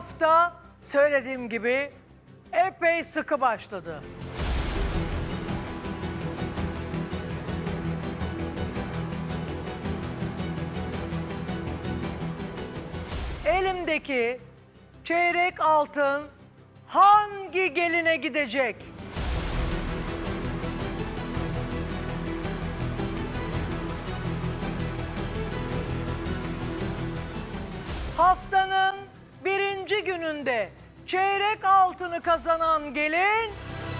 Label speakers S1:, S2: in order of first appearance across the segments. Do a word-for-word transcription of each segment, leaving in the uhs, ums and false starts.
S1: hafta söylediğim gibi epey sıkı başladı. Elimdeki çeyrek altın hangi geline gidecek? Haftanın birinci gününde çeyrek altını kazanan gelin...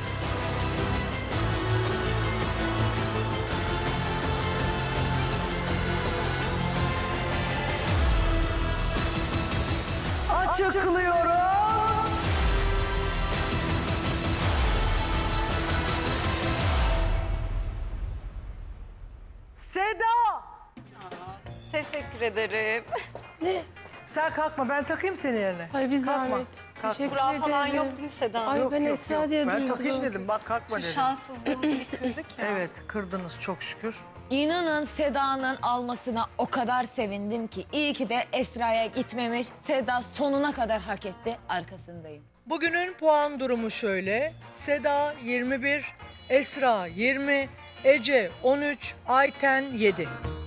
S1: Açıklıyorum. Seda!
S2: Teşekkür ederim.
S3: Ne?
S1: Sen kalkma, ben takayım seni yerine.
S3: Ay bir
S1: Kalkma,
S3: zahmet.
S1: kalkma.
S3: Teşekkür
S2: Kura
S3: ederim.
S2: falan yok değil mi Seda?
S3: Ay
S1: Yok,
S3: ben
S1: yok,
S3: Esra
S1: yok.
S3: diye
S1: Ben
S3: duydum.
S1: takayım dedim, bak kalkma
S2: Şu
S1: dedim.
S2: şanssızlığımızı bir kırdık ya.
S1: Evet, kırdınız çok şükür.
S4: İnanın Seda'nın almasına o kadar sevindim ki. İyi ki de Esra'ya gitmemiş. Seda sonuna kadar hak etti. Arkasındayım.
S1: Bugünün puan durumu şöyle. Seda yirmi bir, Esra yirmi, Ece on üç, Ayten yedi.